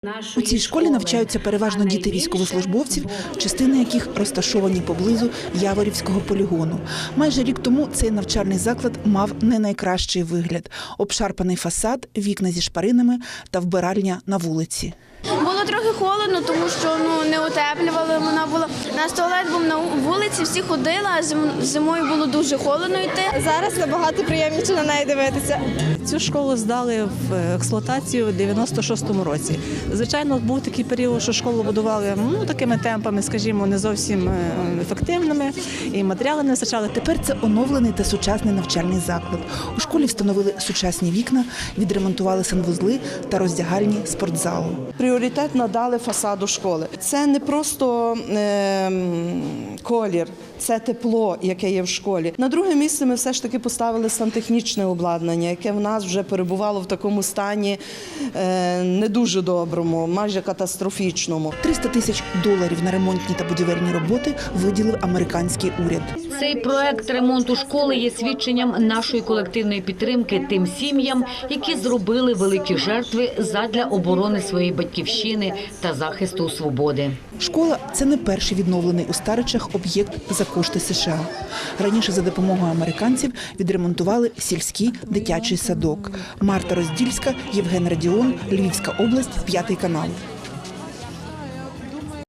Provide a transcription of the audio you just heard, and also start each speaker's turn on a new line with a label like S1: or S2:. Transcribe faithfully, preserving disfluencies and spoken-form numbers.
S1: У цій школі навчаються переважно діти військовослужбовців, частини яких розташовані поблизу Яворівського полігону. Майже рік тому цей навчальний заклад мав не найкращий вигляд – обшарпаний фасад, вікна зі шпаринами та вбиральня на вулиці.
S2: Було трохи холодно, тому що ну, не утеплювали. Вона була. Наш туалет був на вулиці, всі ходили, а зим, зимою було дуже холодно йти.
S3: Зараз набагато приємніше на неї дивитися.
S4: Цю школу здали в експлуатацію у дев'яносто шостому році. Звичайно, був такий період, що школу будували ну, такими темпами, скажімо, не зовсім ефективними, і матеріали не вистачали.
S1: Тепер це оновлений та сучасний навчальний заклад. У школі встановили сучасні вікна, відремонтували санвузли та роздягальні спортзалу.
S5: Пріоритет надали фасаду школи. Це не просто е, колір, це тепло, яке є в школі. На друге місце ми все ж таки поставили сантехнічне обладнання, яке в нас вже перебувало в такому стані е, не дуже доброму, майже катастрофічному.
S1: триста тисяч доларів на ремонтні та будівельні роботи виділив американський уряд.
S6: Цей проект ремонту школи є свідченням нашої колективної підтримки тим сім'ям, які зробили великі жертви задля оборони своєї батьківщини та захисту свободи.
S1: Школа – це не перший відновлений у Старичах об'єкт за кошти США. Раніше за допомогою американців відремонтували сільський дитячий садок. Марта Роздільська, Євген Радіон, Львівська область, п'ятий канал.